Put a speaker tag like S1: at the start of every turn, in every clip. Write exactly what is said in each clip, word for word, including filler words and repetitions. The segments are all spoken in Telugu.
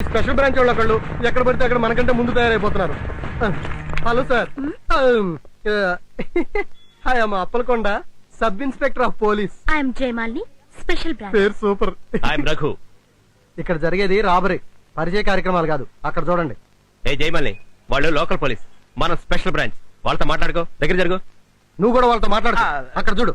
S1: స్పెషల్ బ్రాంచ్ వాళ్ళు ఒకళ్ళు ఎక్కడ పడితే అక్కడ మనకంటే ముందు తయారైపోతున్నారు. హలో సార్, హాయ్ అమ్మ Appalakonda, sub inspector of police.
S2: I'm Jayamalini, special branch.
S1: పేరు సూపర్.
S3: ఐఎమ్ రఘు.
S1: ఇక్కడ జరిగేది రాబరీ, పరిచయ కార్యక్రమాలు కాదు. అక్కడ చూడండి.
S3: ఏ జయమాలిని, వాళ్ళు లోకల్ పోలీస్, మన స్పెషల్ బ్రాంచ్. వాళ్ళతో మాట్లాడుకో, దగ్గర జరుగు.
S1: నువ్వు కూడా వాళ్ళతో మాట్లాడు. అక్కడ చూడు.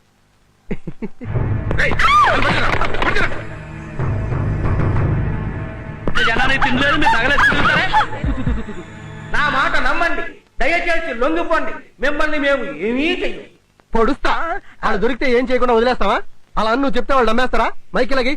S4: నా మాట నమ్మండి, దయచేసి లొంగిపోండి. మిమ్మల్ని మేము ఏమీ చెయ్యం.
S1: పొడుస్తా. వాళ్ళు దొరికితే ఏం చేయకుండా వదిలేస్తావా? అలా అని నువ్వు చెప్తే వాళ్ళు నమ్మేస్తారా? మైకిలకి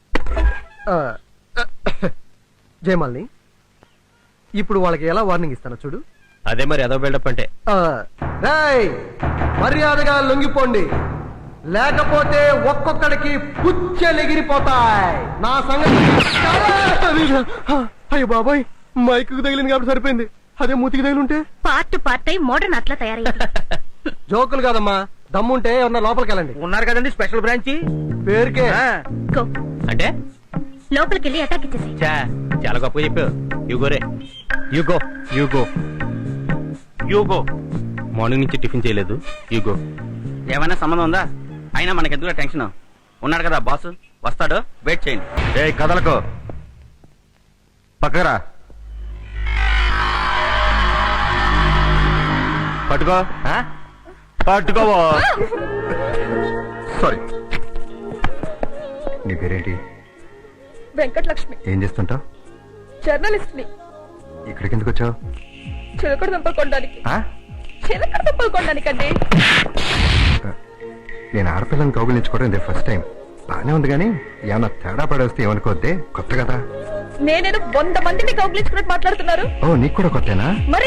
S1: జయమాలిని, ఇప్పుడు వాళ్ళకి ఎలా వార్నింగ్ ఇస్తానో చూడు.
S3: అదే మరి అదో బిల్డప్ అంటే.
S1: రేయ్, మర్యాదగా లొంగిపోండి, లేకపోతే ఒక్కొక్కడికి పుచ్చెలెగిరిపోతాయి. నా సంగతి. అయ్యో బాబాయ్, మైక్ తగిలింది కాబట్టి సరిపోయింది. అదే మూతికి తగిలింటే
S2: పార్ట్ పార్ట్ అయి మోడర్న్ అట్లా తయారైంది.
S1: జోకులు కాదమ్మా, దమ్ముంటే ఏమన్నా లోపలికి వెళ్ళండి.
S4: ఉన్నారు కదండి స్పెషల్ బ్రాంచ్.
S1: పేరుకే.
S2: గో,
S3: అంటే
S2: లోపలికి వెళ్ళి అటాక్ ఇచ్చేసి.
S3: చా, చాలా గొప్పగా చెప్పావు. యుగోరే, యుగో యుగో యుగో. మార్నింగ్ నుంచి టిఫిన్ చేయలేదు. యుగో.
S4: ఏమైనా సంబంధం ఉందా? అయినా మనకెందుకు టెన్షన్? ఉన్నాడు కదా బాస్, వస్తాడు, వెయిట్ చేయండి.
S3: ఏ కదలకో, పక్కరా. పట్టుకో, పట్టుకోవో.
S5: సారీ, నీ పేరేంటి?
S6: వెంకటలక్ష్మి.
S5: ఏం చేస్తుంటావు?
S6: జర్నలిస్ట్ ని.
S5: ఇక్కడికి ఎందుకు వచ్చావు?
S6: చిలకడ దుంపలు కొనడానికి. చిలకడ దుంపలు కొనడానికండి.
S5: నేను ఆడపిల్లని కౌగులించుకోవడం ఇదే ఫస్ట్ టైం. బానే ఉంది కానీ ఏమన్నా తేడా పడేస్తే ఏమనుకోద్దే, కొత్త కదా.
S6: నేనేదో వంద మందిని కౌగులించుకున్నట్టు మాట్లాడుతున్నారు.
S5: ఓ, నీకు కూడా కొత్తేనా?
S6: మరి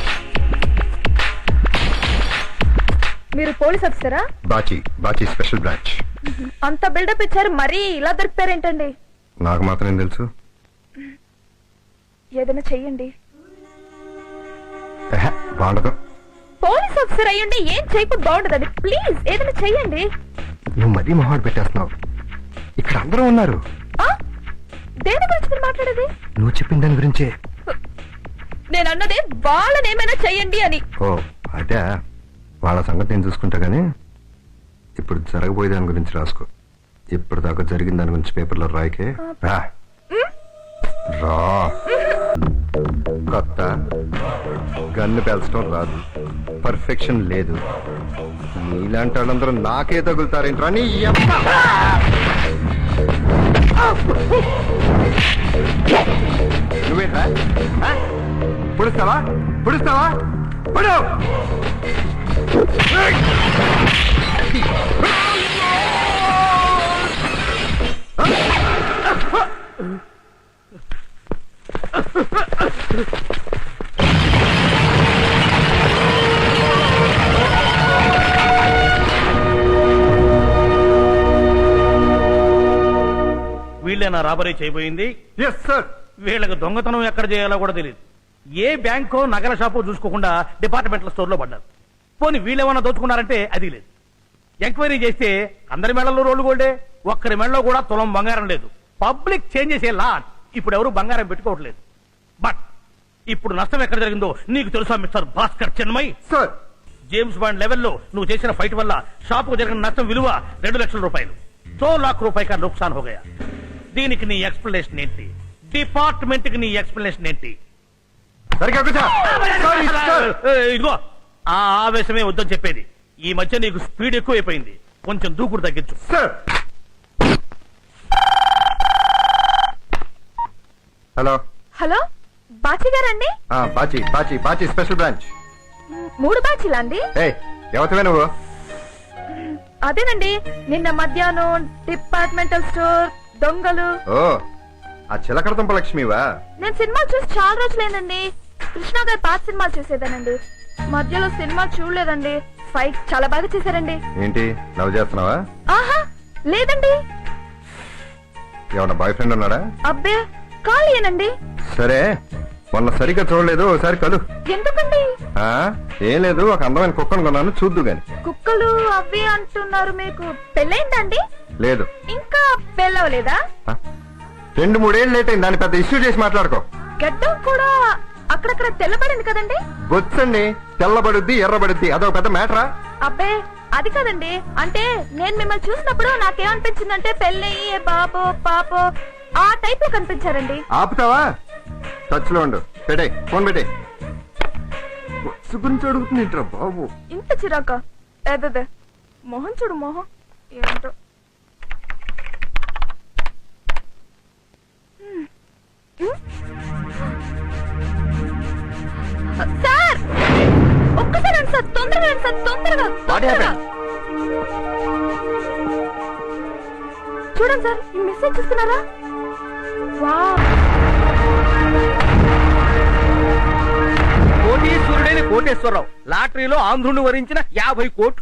S6: మీరు పోలీస్ ఆఫీసరా?
S5: Bachi, Bachi special branch.
S6: అంత బిల్డప్ ఇచ్చారు, మరీ ఇలా దొరికిపోయారేంటండి?
S5: నాకు మాత్రం ఏం తెలుసు.
S6: ఏదైనా చెయ్యండి.
S5: ఎహె, బాగుండదు.
S6: పోలీస్ ఆఫీసర్ అయ్యండి, ఏం చేయకపోతే బాగుండదండి. ప్లీజ్ ఏదైనా చెయ్యండి.
S5: నువ్వు మరీ మొహాడు పెట్టేస్తున్నావు. ఇక్కడ అందరూ ఉన్నారు.
S6: దేని గురించి మీరు మాట్లాడేది?
S5: నువ్వు చెప్పిన దాని గురించే.
S6: నేను అన్నదే వాళ్ళని ఏమైనా చెయ్యండి అని.
S5: ఓ అదే, వాళ్ళ సంగతి నేను చూసుకుంటా గానీ ఇప్పుడు జరగబోయే దాని గురించి రాసుకో. ఇప్పుడు దాకా జరిగిన దాని గురించి పేపర్లో రాయకే. రా రా. కొత్త గన్ను పేల్చడం రాదు, పర్ఫెక్షన్ లేదు. నీలాంటి వాళ్ళందరూ నాకే తగులుతారేంట్రా నీ యమ్మ. నువ్వేంట్రా పుడుస్తావా? పుడుస్తావా? పుడు.
S4: వీళ్ళేనా రాబరీ చేయబోయింది?
S1: Yes sir.
S4: వీళ్ళకి దొంగతనం ఎక్కడ చేయాలో కూడా తెలియదు. ఏ బ్యాంకో నగల షాపో చూసుకోకుండా డిపార్ట్మెంటల్ స్టోర్ లో పడ్డారు. పోనీ వీళ్ళేమన్నా దోచుకున్నారంటే అది లేదు. ఎంక్వైరీ చేస్తే అందరి మెడల్లో రోడ్లు గోల్డే, ఒక్కరి మెడలో కూడా తులం బంగారం లేదు. Public changes a lot. ఇప్పుడు ఎవరు బంగారం పెట్టుకోవట్లేదు. బట్ ఇప్పుడు నష్టం ఎక్కడ జరిగిందో నీకు తెలుసా mister Bhaskar Chinmay?
S1: Sir,
S4: James Bond లెవెల్లో నువ్వు చేసిన ఫైట్ వల్ల షాపుకు జరిగిన నష్టం విలువ రెండు లక్షల రూపాయలు. తో లాక్ రూపాయక నుక్సాన్ హో గయా. దీనికి నీ ఎక్స్ప్లెనేషన్ ఏంటి? డిపార్ట్మెంట్ కి నీ ఎక్స్ప్లెనేషన్ ఏంటి? ఇదిగో, ఆ ఆవేశమే వద్దని చెప్పేది. ఈ మధ్య నీకు స్పీడ్ ఎక్కువైపోయింది, కొంచెం దూకుడు తగ్గించు.
S5: హలో
S6: హలో, బాచి గారండి?
S5: Bachi, Bachi, Bachi special branch.
S6: మూడు బాచీలా అండి?
S5: ఎవరివే నువ్వు?
S6: అదేనండి, నిన్న మధ్యాహ్నం డిపార్ట్మెంటల్ స్టోర్ దొంగలు.
S5: ఓ, ఆ చిలకడతంప లక్ష్మివా?
S6: నేను సినిమా చూసి చాలా రోజులైందండి. కృష్ణ గారి పాత సినిమాలు చూసేదానండి. మధ్యలో సినిమా చూడలేదండి. ఫైట్ చాలా బాగా చేశారండి.
S5: ఏంటి లవ్ చేస్తున్నావా?
S6: ఆహా లేదండి.
S5: ఏమన్నా బాయ్ ఫ్రెండ్ ఉన్నాడా?
S6: అబ్బే ఖాళీయేనండి.
S5: సరే, మొన్న సరిగ్గా చూడలేదు, ఒకసారి కలు.
S6: ఎందుకండి?
S5: ఏం లేదు, ఒక అందమైన కుక్కను కొన్నాను, చూద్దు గాని.
S6: కుక్కలు అవి అంటున్నారు. మీకు పెళ్ళైందండి?
S5: లేదు.
S6: ఇంకా పెళ్ళవలేదా?
S5: రెండు మూడేళ్ళు లేట్ అయింది, దాన్ని పెద్ద ఇష్యూ చేసి మాట్లాడుకో.
S6: గడ్డం కూడా అక్కడక్కడ తెల్లబడింది కదండి.
S5: వచ్చండి, తెల్లబడుద్ది ఎర్రబడుద్ది అదొక పెద్ద మ్యాటరా?
S6: అబ్బే అది కదండి, అంటే నేను మిమ్మల్ని చూసినప్పుడు నాకేమనిపించిందంటే పెళ్ళయ్యి బాబో పాపో ఆ టైప్ లో కనిపించారండి.
S5: ఆపుతావా? టచ్ లో ఉండు. పెట్టే ఫోన్, పెట్టే. గురించి అడుగుతుంది బాబు.
S6: ఇంత చిరాక ఏదే మొహం చూడు మొహం ఏంటో. హ్మ్. హ్మ్? సార్ ఒక్కసారి రండి సార్, తొందరగా రండి సార్, తొందరగా తొందరగా. చూడండి సార్, ఈ మెసేజ్ చూస్తున్నారా? వావ్,
S4: కోటీశ్వరుడైన కోటేశ్వరరావు లాటరీలో ఆంధ్రుని వరించిన యాభై కోట్లు.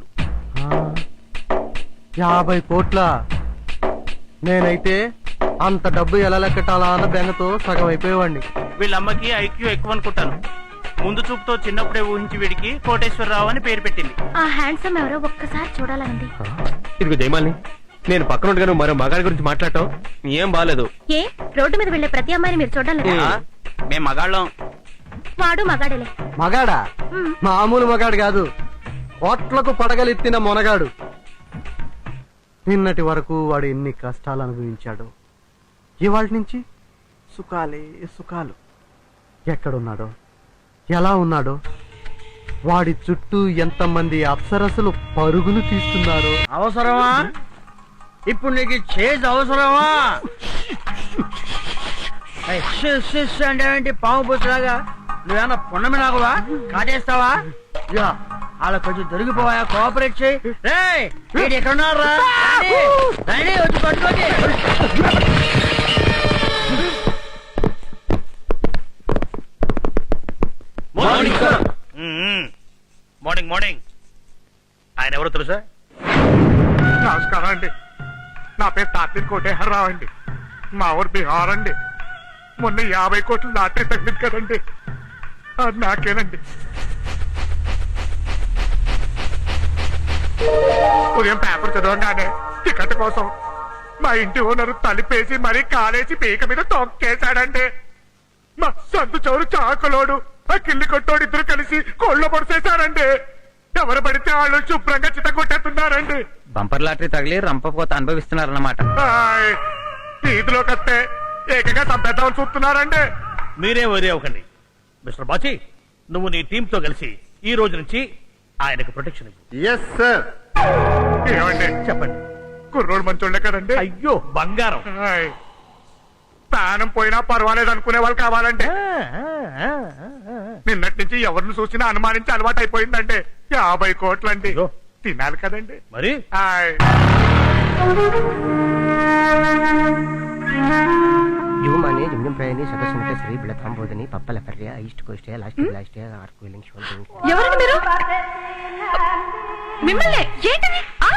S1: యాభై కోట్ల నేనైతే అంత డబ్బు ఎలా లెక్కటాలా అన్న బెంగతో సగం అయిపోయేవాడిని.
S3: వీళ్ళమ్మకి ఐక్యూ ఎక్కువ అనుకుంటాను. ముందు చూపుతో చిన్నప్పుడే ఊహించి వీడికి కోటేశ్వరరావు అని పేరు పెట్టింది.
S2: ఆ హ్యాండ్సమ్ ఎవరో ఒక్కసారి చూడాలండి.
S3: ఇదిగో జయమాలిని, నేను పక్కన ఉండగా నువ్వు మరో మగాడి గురించి మాట్లాడటం ఏం బాలేదు.
S2: ఏ రోడ్డు మీద వెళ్లే ప్రతి అమ్మాయిని మీరు చూడాలి లేదా?
S3: మేము మగాళ్ళం.
S2: వాడు మగాడేలే.
S1: మగాడా?
S2: మ్.
S1: మామూలు మగాడు కాదు, కోట్లకు పడగలెత్తిన మొనగాడు. నిన్నటి వరకు వాడు ఎన్ని కష్టాలు అనుభవించాడు, ఇవాళ నుంచి సుఖాలే సుఖాలు. ఎక్కడున్నాడో, ఎలా ఉన్నాడో, వాడి చుట్టూ ఎంతమంది అప్సరసలు పరుగులు తీస్తున్నారో.
S4: అవసరమా ఇప్పుడు నీకు చేజ్ అవసరమా? అంటే ఏంటి పాము పుచ్చలాగా? నువ్వేమన్నా పున్నమి నాకువా? కాటేస్తావా? ఇదిగో, వాళ్ళ కొంచెం దొరికిపోవా, కోఆపరేట్ చేయి. రేయ్, వీడు ఎక్కడున్నారా? రండి, వచ్చి పట్టుకోండి.
S3: Morning morning.
S4: ఆయన ఎవరో తెలుసా?
S7: నమస్కారం అండి, నా పేరు తాత్విక్ కోటేశ్వరరావు అండి. మా ఊరు బీహార్ అండి. మొన్న యాభై కోట్లు లాటరీ తగ్గింది కదండి, అది నాకేనండి. ఉదయం పేపర్ చదవగానే టికెట్ కోసం మా ఇంటి ఓనరు తలిపేసి మరీ కాలేసి పీక మీద తొక్కేశాడండి. మా సందు చౌరు చాకలోడు ఆ కిల్లి కొట్టోడు ఇద్దరు కలిసి కోళ్ళ పొడిసేశారండి. ఎవరు పడితే వాళ్ళు శుభ్రంగా చిత కొట్టేస్తున్నారండి.
S3: బంపర్ లాటరీ తగిలి రంపపోత అనుభవిస్తున్నారన్నమాట.
S7: హాయ్, వీధిలోకి వస్తే ఏకంగా చంపేద్దామని చూస్తున్నారండి.
S4: మీరే వరి అవ్వకండి. మిస్టర్ బాచి, నువ్వు నీ టీమ్ తో కలిసి ఈ రోజు నుంచి ఆయనకు ప్రొటెక్షన్ ఇవ్వు.
S5: Yes sir.
S7: ఏమండి
S4: చెప్పండి.
S7: కుర్రోడు మంచోళ్ళే కదండి.
S4: అయ్యో బంగారం.
S7: హాయ్, ప్రాణం పోయినా పర్వాలేదు అనుకునే వాళ్ళు కావాలండి. నిన్నటి నుంచి ఎవరిని చూసినా అనుమానించి అలవాటు అయిపోయిందండి. యాభై కోట్లండి,
S4: అయ్యో.
S7: తినాలి కదండి.
S4: మరి
S7: హాయ్,
S8: ಯುವಮಾನ್ಯ ಜಮ್ಜಂ ಪ್ರಯಾಣಿ ಸದಸ್ಯನಟ ಶ್ರೀ ಬಿಳತಾಂಬೋಧನಿ ಪಪ್ಪಲ ಪರ್ಯ east coast last last arc welding soldering.
S6: ఎవరండి మీరు? మిమ్మల్ని ఏంటది? ఆ?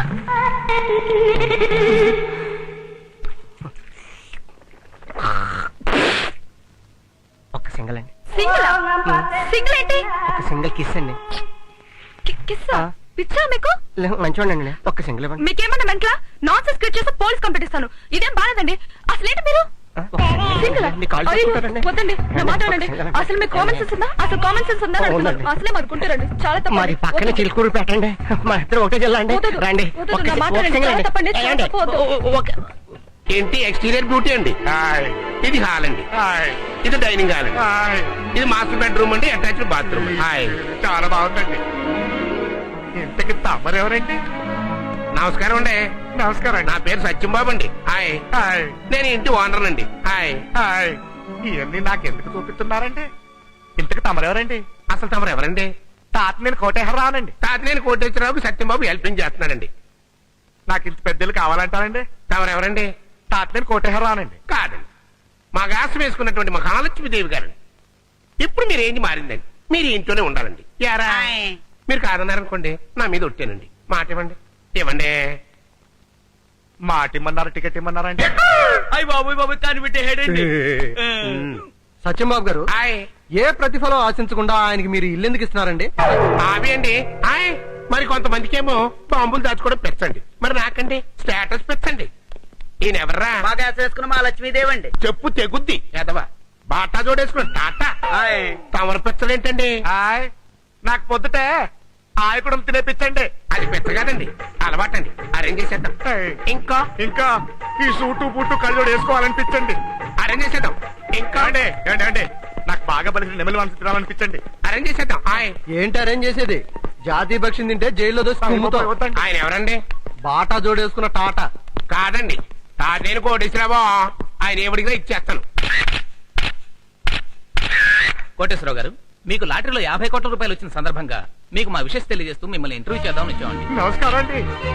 S8: ఒక్క సింగల్ అండి,
S6: సింగిల్ సింగిల్ ఏంటి?
S8: ఒక్క సింగల్ కిస్ అండి.
S6: కి- కిస్సా? పిచ్చా మీకు?
S8: మంచివాడండి, ఒక్క సింగల్ ఇవ్వండి.
S6: మీకేమన్నా మెంట్లా? నాన్ సెన్స్ క్రియేట్ చేస్తే పోలీస్ కంప్లైంట్ ఇస్తాను. ఇదేం బాలేదండి. అసలు ఏంటి మీరు?
S8: ఆ, ఒక్క single
S6: సింగిల్
S8: అండి, కాళ్ళు
S6: అయ్యో,
S8: పట్టుకుంటారండి.
S6: వద్దండి, నా మాట వినండి. అసలు మీకు కామన్ సెన్స్ ఉందా? అసలు కామన్ సెన్స్ ఉందా అని అడుగుతున్నాను.
S8: ఉందండి.
S6: అసలే మనుకుంటారండి, చాలా తప్పండి.
S8: మరి పక్కన
S6: వద్దు.
S8: చిలుకూరు పెట్టండి, మా ఇద్దరు ఒకటే జిల్లా అండి.
S6: వద్దు,
S8: రండి,
S6: వద్దు,
S8: ఒక్క
S6: నా మాట
S8: ఒక్క
S6: వినండి,
S8: single
S6: చాలా
S8: అండి.
S6: తప్పండి, చాలా
S8: ఏమండి?
S6: తప్పు, వద్దు.
S8: ఓ- ఓ- ఒక-
S3: ఏంటి ఎక్స్టీరియర్ బ్యూటీ అండి?
S7: హాయ్,
S3: ఇది హాల్ అండి,
S7: హాయ్,
S3: ఇది డైనింగ్ హాల్ అండి,
S7: హాయ్.
S3: ఇది మాస్టర్ బెడ్రూమ్ అండి, అటాచ్డ్ బాత్రూమ్. హాయ్,
S7: చాలా బాగుందండి. ఇంతకి తమరెవరండి?
S3: నమస్కారం అండి.
S7: నమస్కారం
S3: నా
S7: అండి.
S3: పేరు సత్యంబాబు అండి. హాయ్,
S7: హాయ్,
S3: నేను ఇంటి ఓనర్ అండి. హాయ్.
S7: హాయ్. ఇవన్నీ నాకెందుకు చూపిస్తున్నారండి? ఇంతకి తమరెవరండి?
S3: అసలు తమరు ఎవరండి?
S7: తాత నేను కోటేశ్వరరావునండి.
S3: తాతినేని కోటేశ్వరరావుకి సత్యంబాబు హెల్పింగ్ చేస్తున్నాడండి.
S7: నాకు ఇంత పెద్దలు కావాలంటారండి?
S3: తమరు ఎవరండి?
S7: తాత నేను కోటేశ్వరరావునండి.
S3: కాదండి, మా గాసం వేసుకున్నటువంటి మహాలక్ష్మీదేవి గారండి. ఇప్పుడు మీరు ఏంటి మారిందండి, మీరు ఇంట్లోనే ఉండాలండి. యారా, మీరు కాదన్నారనుకోండి, నా మీద ఒట్టానండి. మాట ఇవ్వండి, ఇవ్వండి.
S7: మాట ఇమ్మన్నారు, టికెట్ ఇమ్మన్నారండి.
S4: అయ్యి బాబు బాబు కాని పెట్టే హెడ్ అండి.
S1: సత్యంబాబు గారు,
S3: హాయ్.
S1: ఏ ప్రతిఫలం ఆశించకుండా ఆయనకి మీరు ఇల్లు ఎందుకు ఇస్తున్నారండి?
S3: అవి అండి. హాయ్. మరి కొంతమందికి ఏమో బాంబులు దాచుకోవడం పెంచండి, మరి నాకండి స్టేటస్ పెంచండి. ఈయన ఎవర్రా
S9: బాగా వేసుకున్న మా లక్ష్మీదేవి అండి.
S3: చెప్పు తెగుద్ది ఎదవా బాటా జోడేసుకుని టాటా తమర పిచ్చలేంటండి
S7: హాయ్ నాకు పొద్దుటే ఆయకుడం తినేపించండి.
S3: అది పిచ్చ కాదండి అలవాటండి అరేంజ్ చేసేద్దాం
S7: ఏయ్.
S3: ఇంకా
S7: ఇంకా ఈ సూటు బూటు కళ్ళజోడు వేసుకోవాలనిపించండి.
S3: అరేంజ్ చేసేద్దాం ఇంకా
S7: అండి ఏంటి అండి నాకు బాగా బలిసిన నెమలి మనసు తినాలనిపించండి.
S3: అరేంజ్ చేసేద్దాం ఆయ్
S1: ఏంటి అరేంజ్ చేసేది? జాతీయ పక్షిని తింటే జైల్లో దోసి కుమ్ముతావు.
S7: వద్దండి.
S3: ఆయన ఎవరండి
S1: బాటా జోడేసుకున్న టాటా.
S3: కాదండి తాతేను కోటేశ్వరరావు ఆయన ఎవడిగా ఇచ్చేస్తాను.
S10: కోటేశ్వరరావు గారు మీకు లాటరీలో యాభై కోట్ల రూపాయలు వచ్చిన సందర్భంగా మీకు మా విషయం తెలియజేస్తూ మిమ్మల్ని ఇంటర్వ్యూ చేద్దామని వచ్చామండి.
S7: నమస్కారం అండి.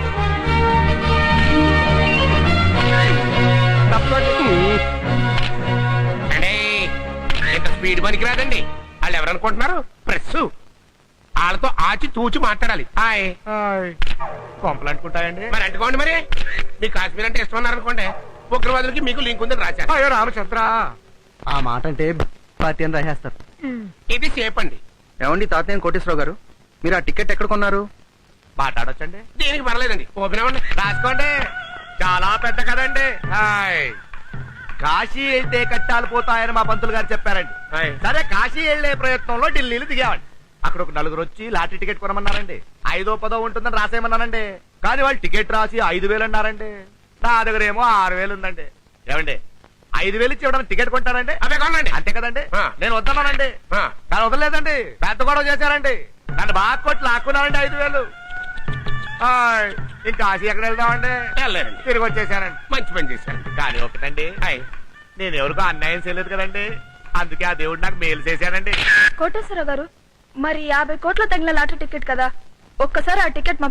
S3: అంటే ఇంత స్పీడ్ పనికి రాదండి. వాళ్ళు ఎవరనుకుంటున్నారు ప్రెస్ వాళ్ళతో ఆచి తూచి మాట్లాడాలి. Hi
S7: hi. కొంపలు అంటుకుంటాయండి.
S3: మరి అంటుకోండి మరి మీ కాశ్మీర్ అంటే ఇష్టం అన్నారనుకోండి ఉగ్రవాదులకి మీకు లింక్ ఉందని రాశారు.
S7: అయ్యో రామచంద్ర.
S1: ఆ మాట అంటే పార్టీ అని రాసేస్తారు.
S3: ఇది సేఫ్ అండి.
S5: ఏమండి తాతయ్య కోటేశ్వరరావు గారు, మీరు ఆ టికెట్ ఎక్కడ కొన్నారు?
S7: మాట్లాడొచ్చండి.
S3: దీనికి పర్లేదండి ఓపెన్ అవ్వండి.
S7: రాసుకోండి. చాలా పెద్ద కదండి. హాయ్. కాశీ వెళ్తే కట్టాలు పోతాయని మా పంతులు గారు చెప్పారండి.
S3: హాయ్.
S7: సరే కాశీ వెళ్లే ప్రయత్నంలో ఢిల్లీలో దిగామండి. అక్కడ ఒక నలుగురు వచ్చి లాటరీ టికెట్ కొనమన్నారండి. ఐదో పదో ఉంటుందని రాసేయమన్నానండి. కానీ వాళ్ళు టికెట్ రాసి ఐదు వేలు అన్నారండి. నా దగ్గర ఏమో ఆరు వేలు ఉందండి. ఏమండి ఐదు వేలు ఇచ్చి ఇవ్వడానికి టికెట్ కొంటారండి?
S3: అవే కొనండి.
S7: అంతే కదండి.
S3: ఆ.
S7: నేను వద్దన్నానండి.
S3: ఆ.
S7: కానీ వదలలేదండి. పెద్ద గొడవ చేశారండి. నన్ను బాగా కొట్టి లాక్కున్నారండి ఐదు వేలు. హాయ్. ఇంకా కాశీ ఎక్కడ వెళ్దామండి?
S3: వెళ్ళారండి.
S7: తిరిగి వచ్చేసానండి.
S3: మంచి పని చేశారు.
S7: కానీ ఒకటండి,
S3: హాయ్.
S7: నేను ఎవరికో అన్యాయం చేయలేదు కదండి. అందుకే ఆ దేవుడు నాకు మేలు చేశానండి.
S6: కోటేశ్వరరావు గారు, మరి యాభై కోట్ల తగిన లాటరీ టికెట్ కదా, ఒక్కసారి ఆ టికెట్ మా